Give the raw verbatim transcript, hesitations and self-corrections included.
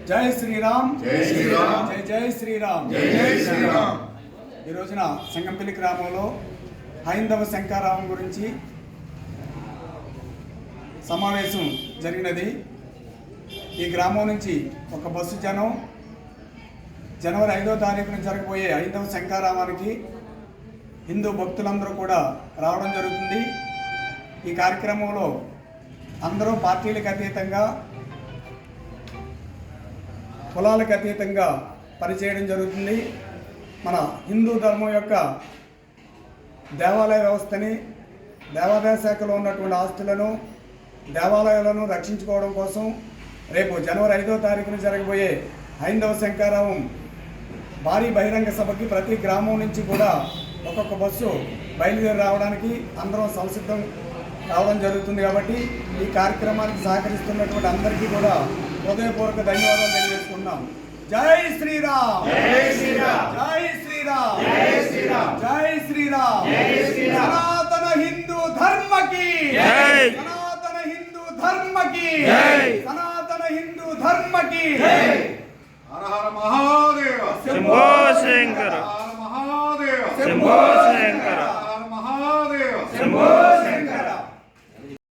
జై శ్రీరామ్, జై శ్రీరామ్, జై జై శ్రీరామ్, జై జై శ్రీరామ్. ఈ రోజున సంగంపల్లి గ్రామంలో హైందవ శంకారావం గురించి సమావేశం జరిగినది. ఈ గ్రామం నుంచి ఒక బస్సు జనం జనవరి ఐదో తారీఖున జరగబోయే హైందవ శంకారావానికి హిందూ భక్తులందరూ కూడా రావడం జరుగుతుంది. ఈ కార్యక్రమంలో అందరూ పార్టీలకు అతీతంగా, కులాలకు అతీతంగా పనిచేయడం జరుగుతుంది. మన హిందూ ధర్మం యొక్క దేవాలయ వ్యవస్థని, దేవాదాయ శాఖలో ఉన్నటువంటి ఆస్తులను, దేవాలయాలను రక్షించుకోవడం కోసం రేపు జనవరి ఐదో తారీఖున జరగబోయే హైందవ శంకారావం భారీ బహిరంగ సభకి ప్రతి గ్రామం నుంచి కూడా ఒక్కొక్క బస్సు బయలుదేరి రావడానికి అందరం సంసిద్ధం రావడం జరుగుతుంది. కాబట్టి ఈ కార్యక్రమానికి సహకరిస్తున్నటువంటి అందరికీ కూడా హృదయపూర్వక ధన్యవాదాలు తెలియజేసుకుంటున్నాం. జై శ్రీరామ్, జై శ్రీరామ్, జై శ్రీరామ్, జై శ్రీరామ్, జై శ్రీరామ్, జై శ్రీరామ్. సనాతన హిందూ ధర్మకి జై, సనాతన హిందూ ధర్మకి జై, సనాతన హిందూ ధర్మకి జై. హర హర మహాదేవ, శంభో శంకర, హర హర మహాదేవ, శంభో శంకర, హర హర మహాదేవ, శంభో